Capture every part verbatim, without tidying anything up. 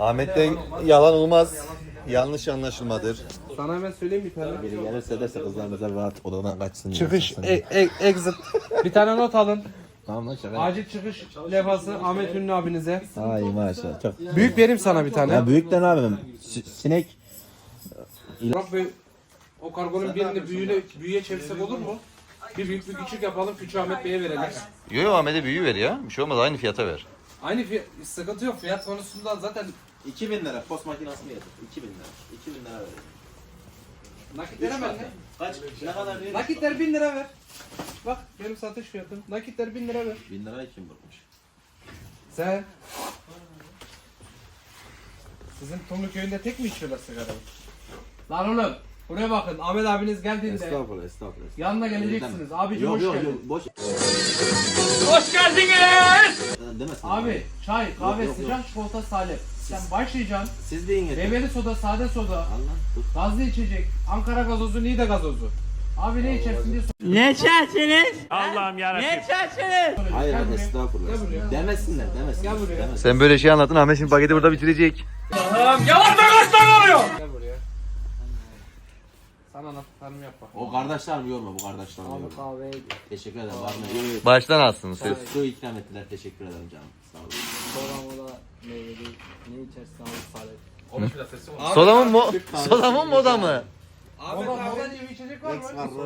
Ahmet'ten yalan olmaz. Yanlış anlaşılmadır. Sana hemen söyleyeyim bir tane. Biri gelirse derse kızlarımıza rahat odadan kaçsın. Çıkış, e, e, exit. Bir tane not alın. Tamam lan şaka. Acil çıkış levhası Ahmet Ünlü abinize. Ay maşallah. Çok. Büyük vereyim sana bir tane. Ya büyükten abim. S- sinek. Burak Bey, o kargonun birini büyüğüne, büyüye çevirsek olur mu? Bir büyük bir küçük yapalım, küçük Ahmet Bey'e verelim. Yo yo Ahmet'e büyü ver ya. Bir şey olmaz aynı fiyata ver. Aynı fiyat, sıkıntı yok. Fiyat konusunda zaten iki bin lira post makinası mı yedir? iki bin lira. iki bin lira verir. nakitler hemen ne? Kaç? Ne kadar verir? Nakitler bin lira ver. Bak benim satış fiyatım. Nakitler bin lira ver. bin lirayı kim vurmuş? Sen. Sizin Tumlu köyünde tek mi içiyorlar sigara? Lan oğlum. Buraya bakın. Ahmet abiniz geldiğinde Estağfurullah estağfurullah. yanına geleceksiniz. Abicim Yok hoş yok geldin. yok boş. Hoş geldiniz. Demesin. Abi çay, kahve, Yok, yok, sıcak çikolata, salep. Sen başlayacaksın. Siz deyin yeter. Meyveli soda, sade soda, Allah dur. gazlı içecek, Ankara gazozu, Niğde gazozu. Abi ne içersin diye sor. Ne içersiniz? Allah'ım yarabbim. Ne içersiniz? Hayır Gel buraya. estağfurullah. Gel buraya. Demesinler demesinler. Gel buraya. Demesinler. Sen böyle şey anlattın Ahmet şimdi paketi burada bitirecek. Gel buraya. Sana anlattıklarımı yap bak. O kardeşler mi yorma bu kardeşler mi yorma. Kahve Teşekkür ederim. Var mı? Yok, Baştan alsın söz. yok. Su ikram ettiler. Teşekkür ederim canım. Sağ olun. soda moda meyveli ne içersin abi salep. Soda mı mo soda mı moda mı? Moda, moda diye bir içecek var mı?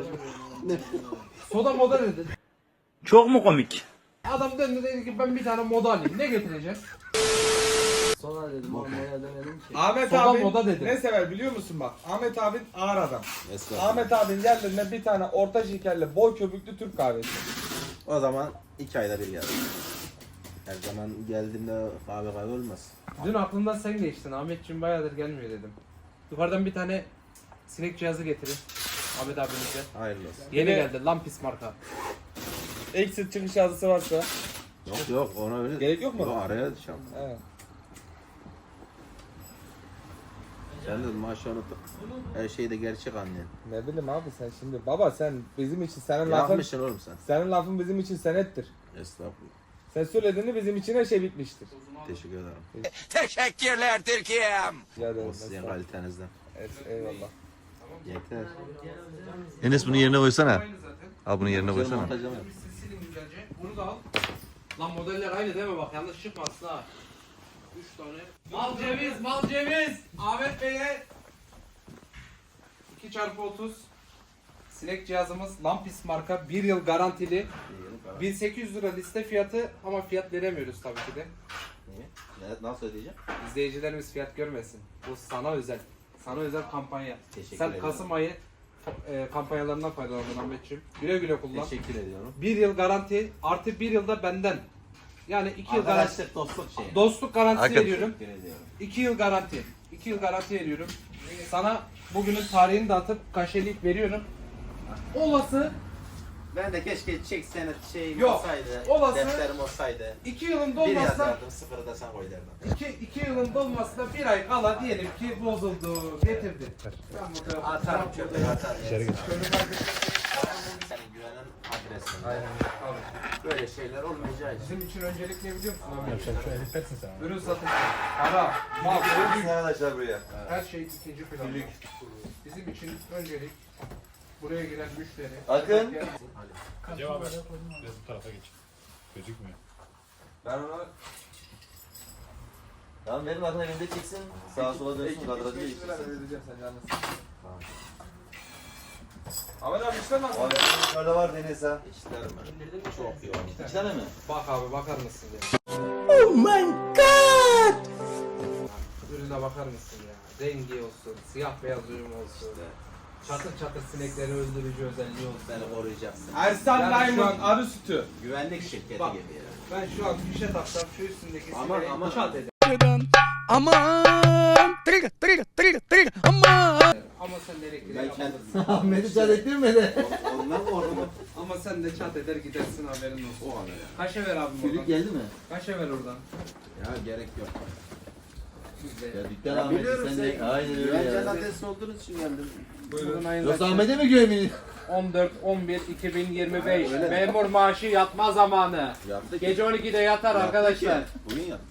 Soda moda dedi. Çok mu komik? Adam döndü dedi ki ben bir tane moda alayım. Ne getireceksin? Soda dedim ama moda demedim ki. Ahmet Soda abi moda dedi. ne sever biliyor musun bak? Ahmet abin ağır adam. Estağfurullah. Ahmet abin yerlerine bir tane orta şekerli bol köpüklü Türk kahvesi. O zaman iki ayda bir geldi. Her zaman geldiğimde kahve kahve olmaz. Dün aklımdan sen geçtin. Ahmetciğim bayağıdır gelmiyor dedim. Yukarıdan bir tane sinek cihazı getirin. Ahmet abimize. Hayırlı olsun. Yeni Bir de- geldi. Lampis marka. Exit çıkış yazısı varsa. Yok yok ona öyle. Gerek yok mu? Yok araya düşeceğim. Evet. Sen de maaşı unutup her şeyi de gerçek anlayan. Ne bileyim abi sen şimdi. Baba sen bizim için senin lafın Yapmışsın oğlum sen. senin lafın bizim için senettir. Estağfurullah. Sen söylediğini bizim için her şey bitmiştir. Teşekkür ederim. Teşekkürler Türkiye'm. Rica ederim. O sizin kalitenizden. Evet, eyvallah. Yeter. Enes bunu yerine koysana. Aynı zaten. Al bunu yerine koysana. Montajı mı? Siz silin güzelce. Bunu da al. Lan modeller aynı değil mi? Bak yanlış çıkmasın ha. Üç tane. Mal ceviz, mal ceviz. Ahmet Bey'e iki çarpı otuz sinek cihazımız Lampis marka bir yıl garantili. bin sekiz yüz lira liste fiyatı ama fiyat veremiyoruz tabii ki de. Niye? Ne, nasıl ödeyeceğim? İzleyicilerimiz fiyat görmesin. Bu sana özel. Sana özel kampanya. Teşekkür Sen ederim. Kasım ayı e, kampanyalarından faydalandın Ahmetciğim. Güle güle kullan. Teşekkür ediyorum. Bir yıl garanti artı bir yılda benden. Yani iki yıl garanti. Arkadaşlık dostluk şeyi. Dostluk garantisi Hakikaten. veriyorum. Teşekkür ediyorum. iki yıl garanti. iki yıl garanti veriyorum. Sana bugünün tarihini de atıp kaşelik veriyorum. Olası Ben de keşke çek senet şeyim Yok, olsaydı. olası- Defterim olsaydı. iki yılın Bir dolmasına yazardım sıfırı da sen koy derdim. iki, iki yılın dolmasına bir ay kala diyelim ki bozuldu, getirdi. Ben burada Atarım çöpe atarım. İçeri geç. Senin güvenen adresin. Aynen. Abi. Böyle şeyler olmayacağı için. Bizim için öncelik ne biliyor musun abi? Ürün satışı, para, mal, ürün, Arkadaşlar buraya. her şey ikinci planda. Bizim için öncelik buraya giren müşteri. Akın. Cevap ver. Biraz bu tarafa geç. Gözükmüyor. Ben ona Tamam benim akın evinde çıksın. Sağa sola dönsün. Kadrajı beş lira değiştirsin. vereceğim sen yalnız. Ahmet abi işte nasıl? Abi yukarıda var Deniz ha. İşlerim ben. Çok iyi olmuş. İki tane mi? Bak abi bakar mısın ya? Oh my god! Ürüne bakar mısın ya? Rengi olsun, siyah beyaz ürün olsun. Çatır çatır sinekleri öldürücü özelliği olsun. Beni koruyacaksın. Ersan Yani şu Diamond an- arı sütü. Güvenlik şirketi Bak. gibi ya. Ben şu an fişe taksam şu üstündeki Aman, sineği aman. çat eder. Aman! Triga triga triga triga aman! Ama sen de elektriği Ben yapmadın. kendim. Ahmet'i çat ettirmedi. Ondan mı orada? Ama sen de çat eder gidersin haberin olsun. O kadar ya. Kaşe ver abim Çocuk oradan. geldi mi? Kaşe ver oradan. Ya gerek yok. Bizde. Ya dükkan Ahmet'i sen de. Aynen öyle ya. Güvence adresi olduğunuz için geldim. Buyurun ayın Yoksa Ahmet'e mi güvenmiyorsun? on dört on bir iki bin yirmi beş memur maaşı yatma zamanı. Yaptık. Gece on ikide yatar Yaptık arkadaşlar. ya. Bugün yaptık.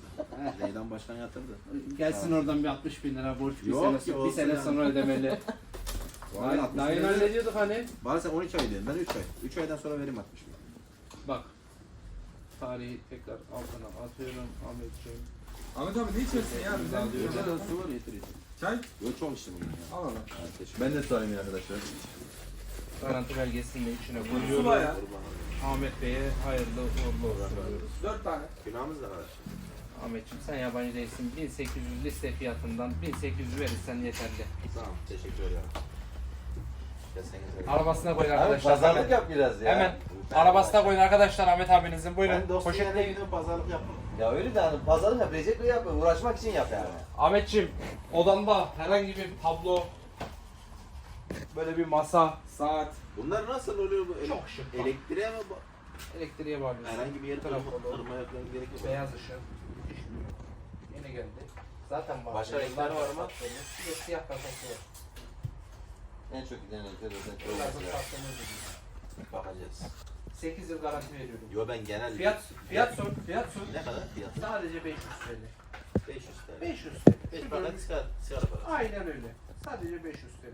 Zeydan Başkan yatırdı. Gelsin oradan bir altmış bin lira borç bir Yok sene, ki, bir olsun sene yani. sonra ödemeli. Vay, altmış Daha yeni bin lira. hallediyorduk hani. Bana sen on iki ay diyorsun. Ben üç ay. üç aydan sonra vereyim altmış bin. Bak. Tarihi tekrar altına atıyorum Ahmetciğim. Ahmet abi ne içersin ya? Bizden Alıyor. Güzel su var yeter yeter. Çay? Yok çok içtim bugün ya. Al al. Evet, teşekkür Ben de sorayım arkadaşlar. Garanti belgesini de içine Sula koyuyoruz. ya. Ahmet Bey'e hayırlı uğurlu olsun diyoruz. Dört tane. Günahımız da var. Ahmetciğim sen yabancı değilsin. bin sekiz yüz liste fiyatından bin sekiz yüz verirsen yeterli. Tamam teşekkür ederim. Kesenize. Arabasına koyun Abi arkadaşlar. pazarlık hemen. yap biraz ya. Hemen. Arabasına koyun arkadaşlar Ahmet abinizin. Buyurun. Ben dostum yerine Poşetleyin. gidip pazarlık yapmam. Ya öyle de hani pazarlık yap, Recep Bey yapma, uğraşmak için yap yani. Ahmetciğim odanda herhangi bir tablo, böyle bir masa, Saat. Bunlar nasıl oluyor bu? Ele- Çok şık. Elektriğe mi? bu- elektriğe bağlıyorsun. Herhangi bir yere Taraf kırma, olur. kırma yapmaya gerek yok. Beyaz ışık. Yine geldi. Zaten var. Başka renkler var mı? Bir de siyah kasası var. En çok giden renkler özellikle Biraz olması da ya. sattığımız gibi. Bakacağız. sekiz yıl garanti veriyorum. Yo ben genel... Fiyat, fiyat sor, fiyat sor. Ne kadar fiyat? Sadece beş yüz TL. beş yüz TL. beş yüz TL. beş Şu paket bölüm- sigara, sigara parası. Aynen öyle. Sadece beş yüz TL.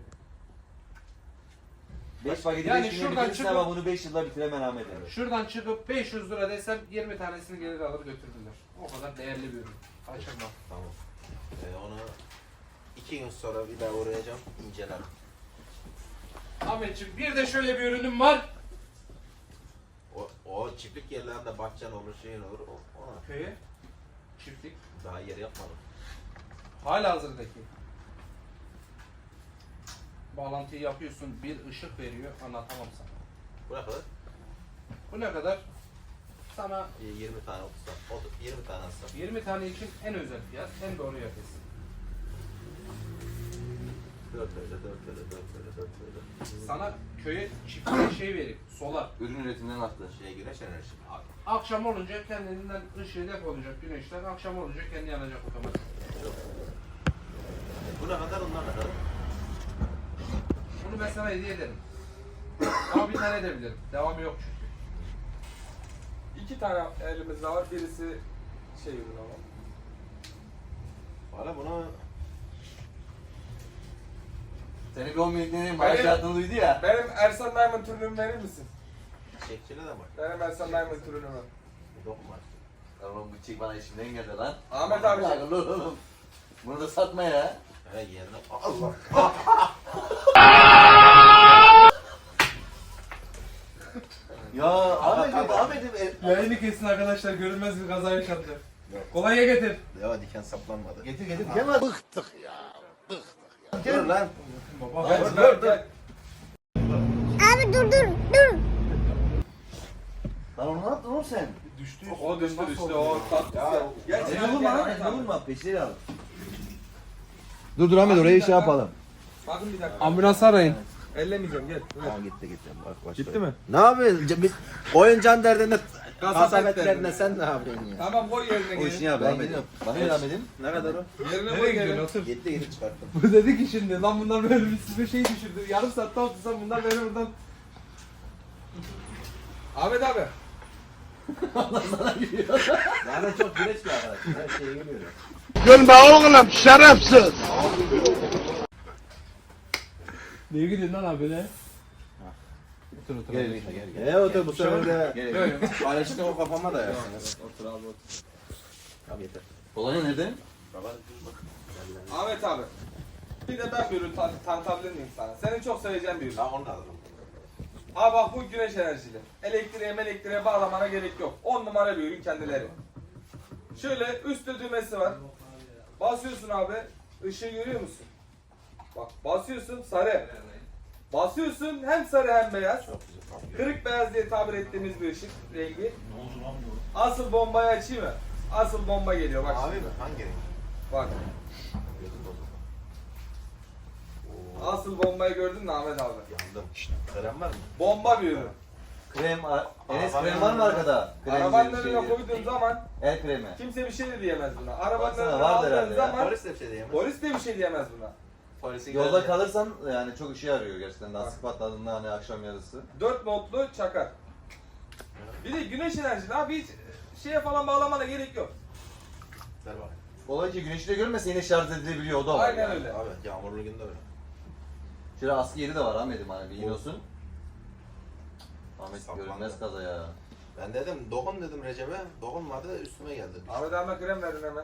beş paketi Yani beş güne şuradan bitirirsin çıkıp- ama bunu beş yılda bitiremem Ahmet abi. Şuradan çıkıp beş yüz lira desem yirmi tanesini gelir alır götürdüler. O kadar değerli bir ürün. Kaçırma. Tamam. Ee, onu iki gün sonra bir daha uğrayacağım, incelerim. Ahmetciğim bir de şöyle bir ürünüm var. O, o çiftlik yerlerinde bahçen olur, şeyin olur. O, ona Köye. Çiftlik. daha yer yapmadım. Hala hazırdaki. Bağlantıyı yapıyorsun, bir ışık veriyor, anlatamam sana. Bu ne kadar? Bu ne kadar? Sana Ee, yirmi tane, otuz tane. otuz, yirmi tane alsam. yirmi tane için en özel fiyat, en doğru yapıyorsun. dört öyle, dört öyle, dört öyle, dört öyle. Sana köye çiftliğe şey verip, solar. Ürün üretiminden arttı. Şeye güneş enerjisi. Akşam olunca kendinden ışığı depolayacak güneşten, akşam olunca kendi yanacak otomatik. Bu ne kadar, onlar ne kadar? Bunu ben sana hediye ederim. Ama bir tane edebilirim. Devamı yok çünkü. İki tane elimizde var. Birisi şey ürün ama. Valla bunu Seni bir on bin deneyim, Hayır. hayatını duydu ya. Benim Ersan Diamond ürünümü verir misin? çiçekçine de bak. Benim Ersan Diamond ürünümü. Bu dokunmaz. Oğlum bu çiğ bana işimden geldi lan. Ahmet abi. Lan oğlum. Bunu da satma ya. He yerine... Allah! Ya Ahmet'im, Ahmet'im. e- Yayını kesin arkadaşlar, görünmez bir kaza yaşandı. Kolonya getir. Ya diken saplanmadı. Getir getir. Gel lan. Dur lan. Baba Gel, ben gel, gel. Abi dur dur dur. Lan onu ne yaptın oğlum sen? düştü. O düştü düştü. O tatlı. Ya, Geç Ne gel, olur gel, lan? Ahmet Ne abi. olur mu? Peşleri al. Dur dur Ahmet orayı şey yapalım. Bakın bir dakika. Ambulans arayın. Ellemeyeceğim gel. Tamam gitti gitti. Bak, başka. Gitti mi? Ne yapıyorsun? Biz oyun can derdinde Kasabetlerinde. kasabetlerinde sen ne yapıyorsun ya? Tamam koy yerine O işini geri. yap. Ben Ahmet'im. gidiyorum. Bana ne Ahmet'im? Ne kadar o? Yerine koy Nereye geri. gidiyorsun? Otur. Gitti gitti çıkarttım. Bu dedi ki şimdi lan bunlar böyle bir size şey düşürdü. Yarım saatte otursam bunlar beni buradan... Ahmet abi. Zaten çok güneş bir arkadaş. Her şeye geliyor. Neye gidiyorsun lan abi ne? Otur otur. Gel gel gel. E otur bu sefer de Gel gel. paylaştık o kafama da yersiniz. Otur abi otur. Tamam yeter. Kolonya nerede? Baba dur bak. Ahmet abi. Bir de ben bir ürün tan tanıtabilir miyim sana? Senin çok seveceğin bir ürün. Daha onu da alırım. Ha bak bu güneş enerjili. Elektriğe elektriğe bağlamana gerek yok. on numara bir ürün kendileri. Şöyle üstte düğmesi var. Basıyorsun abi. Işığı görüyor musun? Bak basıyorsun sarı. Basıyorsun hem sarı hem beyaz. Çok güzel. Tamam. Kırık beyaz diye tabir ettiğimiz bir ışık rengi. Asıl bombayı açayım mı? Asıl bomba geliyor bak Abi şimdi. mi? Hangi renk? Bak. Gözüm bozuldu. Asıl bombayı gördün mü Ahmet abi? Yandım. Krem var mı? Bomba bir ürün. Krem, a- Enes Arabanın krem var mı arkada? Krem Arabanın diye bir önüne şey koyduğun zaman El kremi. kimse bir şey de diyemez buna. Arabanın Baksana, önüne vardır aldığın herhalde ya. zaman Polis de bir şey diyemez. polis de bir şey diyemez buna. Polisi Yolda geldi. kalırsan yani çok işe yarıyor gerçekten. Lastik patladığında hani akşam yarısı. dört notlu çakar. Bir de güneş enerjili abi hiç şeye falan bağlamana gerek yok. Ver bakayım. Olay ki güneşi de görmese yine şarj edilebiliyor, o da var. Aynen yani. öyle. Abi yağmurlu günde öyle. Şöyle askı yeri de var Ahmet'im, hani bir inosun. Ahmet Saplandı. görünmez kaza ya. Ben dedim dokun dedim Recep'e. Dokunmadı üstüme geldi. Ahmet abime krem verin hemen.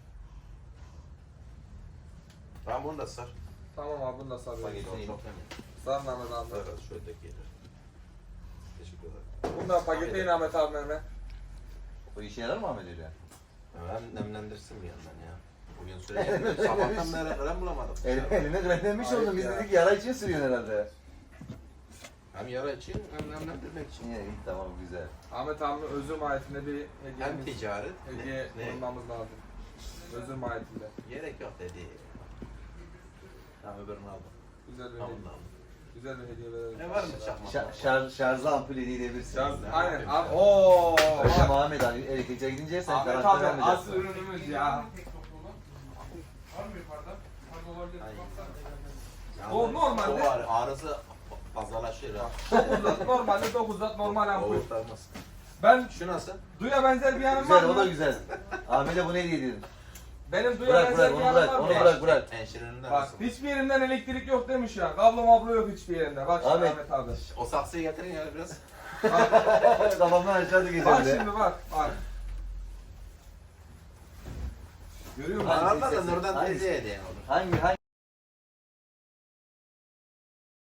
Ben bunu da sar. Tamam abi bunu da sarıyorum. Bak, Çok İyi. çok emin. Sarın Ahmet abi. Evet şöyle de gelir. Teşekkür ederim. Bunu da paketleyin Ahmet abime hemen. O işe yarar mı Ahmet öyle? Hem nemlendirsin bir yandan ya. Bugün sürekli sabahtan beri krem bulamadık. El, eline kremlenmiş Ayıp oldun, biz ya. dedik yara için sürüyorsun herhalde. Hem yara için hem nemlendirmek için. İyi, iyi, tamam güzel. Ahmet abime özür mahiyetinde bir Hem hediyemiz, ticaret. hediye Ne? bulmamız lazım. Özür mahiyetinde. Gerek yok dedi. Tamam öbürünü aldım. Güzel bir Tamam hediye. da aldım. Güzel bir hediye verelim. Ne var mı çakmak? Şar, şarj, şarjlı ampul hediye edebilirsin. Şarj, Ne aynen. yapayım Abi, sen? ooo. Akşam Ahmet abi elektrikçiye gidince sen Ahmet karantina abi olmayacaksın. asıl ürünümüz ya. Var mı yukarıda? Yukarıda olabilir. Ay. Baksana. O normalde- O ağrı, ağrısı fazlalaşıyor ha. dokuz watt normalde dokuz watt normal ampul. Oğurtamaz. Ben Şu nasıl? duya benzer bir yanım var Güzel, o da mı? güzel. Ahmet'e bunu hediye edin. Benim duya Bırak benzer bırak, bir onu yanım bırak, var onu mı? bırak bırak. Enşirinden Bak nasıl? hiçbir yerinden elektrik yok demiş ya. Kablo mablo yok hiçbir yerinde. Bak şimdi Ahmet. Ahmet abi. O saksıyı getirin ya biraz. Kafamdan aşağıda Bak geçerdi. şimdi bak bak. Görüyor musun? Hangisi Anladın sesi? Nurdan Hangisi? teyzeye hediyen olur. Hangi hangi?